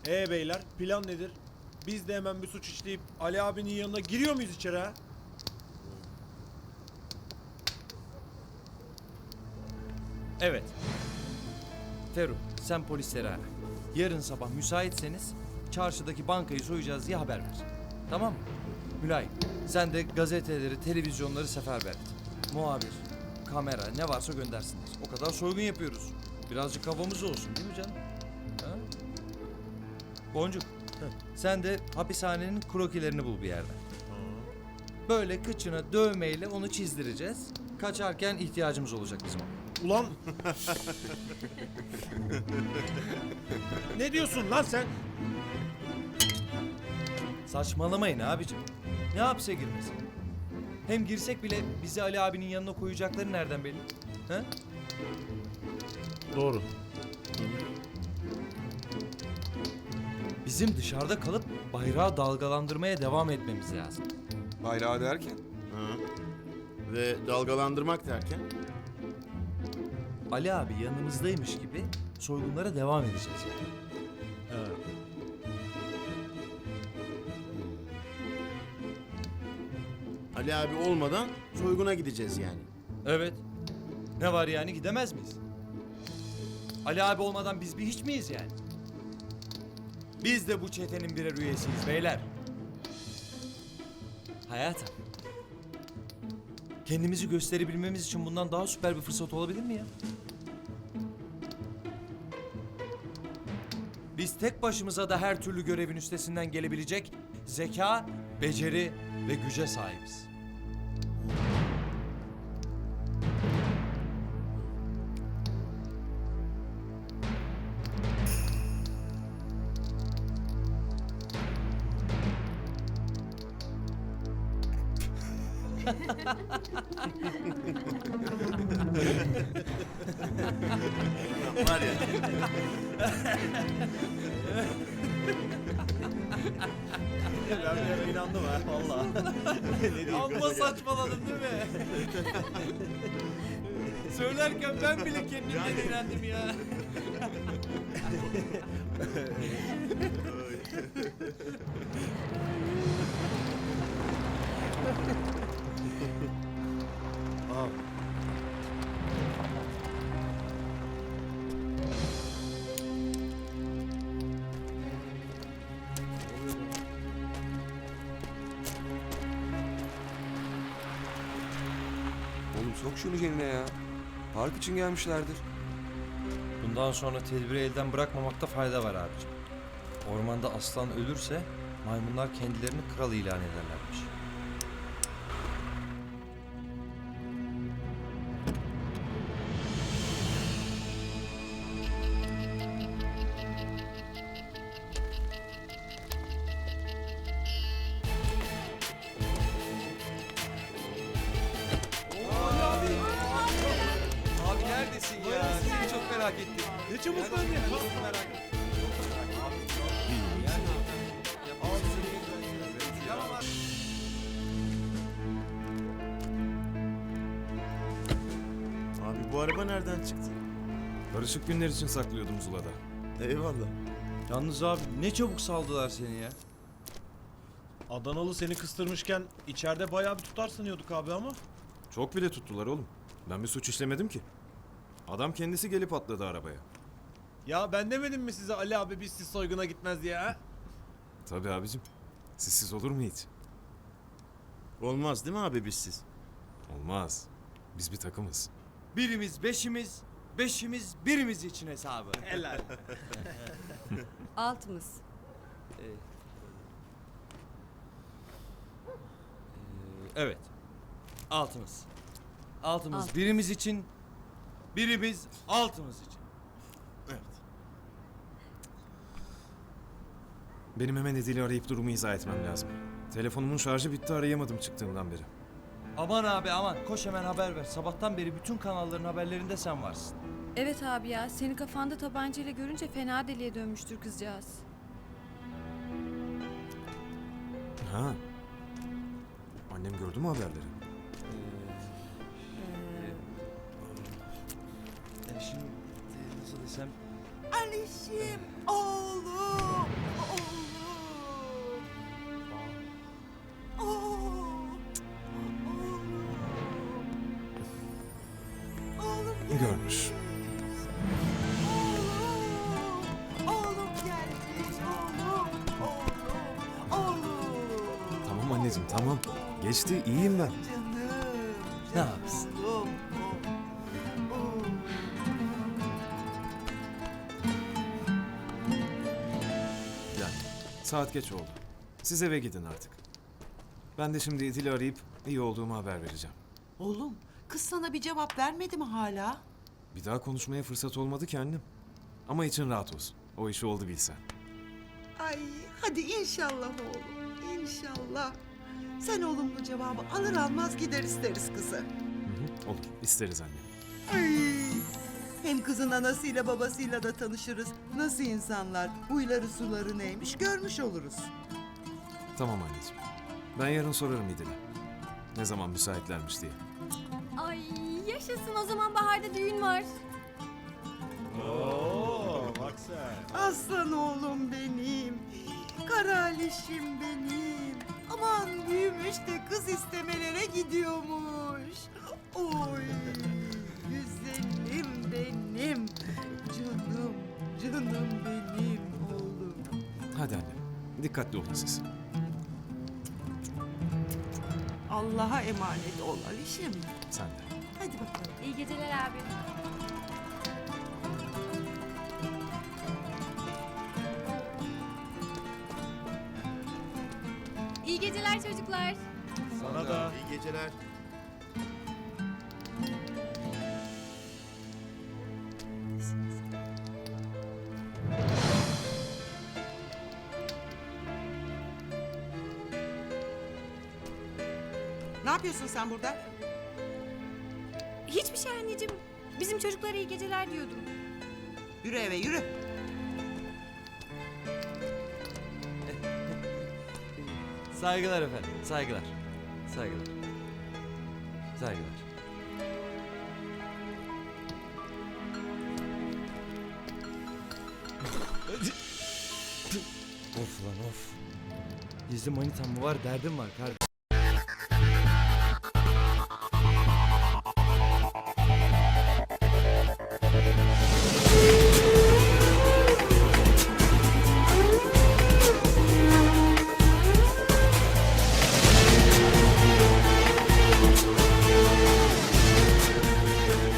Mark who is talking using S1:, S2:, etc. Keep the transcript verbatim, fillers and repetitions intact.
S1: Ee beyler, plan nedir? Biz de hemen bir suç işleyip Ali abinin yanına giriyor muyuz içeri ha?
S2: Evet. Ferruh, sen polisleri ara. Yarın sabah müsaitseniz çarşıdaki bankayı soyacağız diye haber ver. Tamam mı? Mülayim, sen de gazeteleri, televizyonları seferber et. Muhabir, kamera ne varsa göndersinler. O kadar soygun yapıyoruz. Birazcık havamız olsun değil mi canım? Ha? Boncuk, sen de hapishanenin krokilerini bul bir yerden. Böyle kıçına dövmeyle onu çizdireceğiz. Kaçarken ihtiyacımız olacak bizim ona.
S1: Ulan! Ne diyorsun lan sen?
S2: Saçmalamayın abicim. Ne hapse girmesi? Hem girsek bile bizi Ali abinin yanına koyacakları nereden belli? He?
S1: Doğru.
S2: Bizim dışarıda kalıp bayrağı dalgalandırmaya devam etmemiz lazım.
S3: Bayrağı derken?
S4: Ve dalgalandırmak derken?
S2: Ali abi yanımızdaymış gibi soygunlara devam edeceğiz yani.
S4: Ali abi olmadan soyguna gideceğiz yani.
S2: Evet. Ne var yani, gidemez miyiz? Ali abi olmadan biz bir hiç miyiz yani? Biz de bu çetenin birer üyesiyiz beyler. Hayatım. Kendimizi gösterebilmemiz için bundan daha süper bir fırsat olabilir mi ya? Biz tek başımıza da her türlü görevin üstesinden gelebilecek zeka, beceri ve güce sahibiz.
S4: Var ya.
S1: Ben bir ara inandım ha, valla.
S2: Amma saçmaladım değil mi? Söylerken ben bile kendimden iğrendim ya.
S3: Oğlum sok şunu yerine ya. Park için gelmişlerdir.
S2: Bundan sonra tedbiri elden bırakmamakta fayda var abicim. Ormanda aslan ölürse maymunlar kendilerini kral ilan ederlermiş. Abi neredesin ya? Seni çok merak ettim.
S1: Ne çabuk lan ya.
S2: Çok merak ettim.
S4: Abi bu araba nereden çıktı?
S5: Karışık günler için saklıyordum Zula'da.
S4: Eyvallah.
S2: Yalnız abi ne çabuk saldılar seni ya.
S1: Adanalı seni kıstırmışken içeride bayağı bir tutar sanıyorduk abi ama.
S5: Çok bile tuttular oğlum. Ben bir suç işlemedim ki. Adam kendisi gelip atladı arabaya.
S1: Ya ben demedim mi size Ali abi biz siz soyguna gitmez diye ha?
S5: Tabii abicim. Sizsiz olur mu hiç?
S4: Olmaz değil mi abi bizsiz?
S5: Olmaz. Biz bir takımız.
S2: Birimiz beşimiz, beşimiz birimiz için hesabı.
S1: Helal.
S6: Altımız.
S2: Evet. Altımız. Altımız
S6: Alt.
S2: birimiz için, birimiz altımız için.
S4: Evet.
S5: Benim hemen Edil'i arayıp durumu izah etmem lazım. Telefonumun şarjı bitti, arayamadım çıktığımdan beri.
S2: Aman abi aman, koş hemen haber ver. Sabahtan beri bütün kanalların haberlerinde sen varsın.
S6: Evet abi ya, seni kafanda tabancayla görünce fena deliye dönmüştür kızcağız.
S5: Ha. Annem gördü mü haberleri?
S2: Ee, şimdi e, nasıl desem...
S7: Alişim, oğlum, oğlum. Oğlum, oğlum. Oğlum geldi.
S5: Görmüş.
S7: Oğlum, oğlum geldi, oğlum, oğlum, oğlum.
S5: Tamam anneciğim tamam. Geçti iyiyim ben.
S7: Canım,
S2: Ne
S7: canım
S2: yapsın?
S7: oğlum, oğlum.
S5: Yani saat geç oldu. Siz eve gidin artık. Ben de şimdi İdil'i arayıp iyi olduğumu haber vereceğim.
S7: Oğlum, kız sana bir cevap vermedi mi hala?
S5: Bir daha konuşmaya fırsat olmadı ki annem. Ama için rahat olsun. O işi oldu bilsen.
S7: Ay, hadi inşallah oğlum, inşallah. Sen olumlu cevabı alır almaz gider isteriz kızı.
S5: Hı hı, olur. İsteriz anne.
S7: Ay, hem kızın anasıyla babasıyla da tanışırız. Nasıl insanlar, huyları suları neymiş görmüş oluruz.
S5: Tamam anneciğim. Ben yarın sorarım İdil'e. Ne zaman müsaitlermiş diye.
S6: Ay yaşasın, o zaman baharda düğün var.
S1: Oo, bak sen.
S7: Aslan oğlum benim, karalişim benim. Aman büyümüş de kız istemelere gidiyormuş. Oy, güzelim benim, canım, canım benim oğlum.
S5: Hadi annem. Dikkatli olun siz.
S7: Allah'a emanet ol Alişim.
S5: Sen de.
S7: Hadi bakalım.
S6: İyi geceler abi. İyi geceler çocuklar.
S1: Sana da.
S4: İyi geceler.
S7: Ne yapıyorsun sen burada?
S6: Hiçbir şey anneciğim. Bizim çocuklara iyi geceler diyordum.
S7: Yürü eve yürü.
S2: Saygılar efendim, saygılar. Saygılar. Saygılar. Of lan of. Gizli manitam mı var, derdim var kardeşim.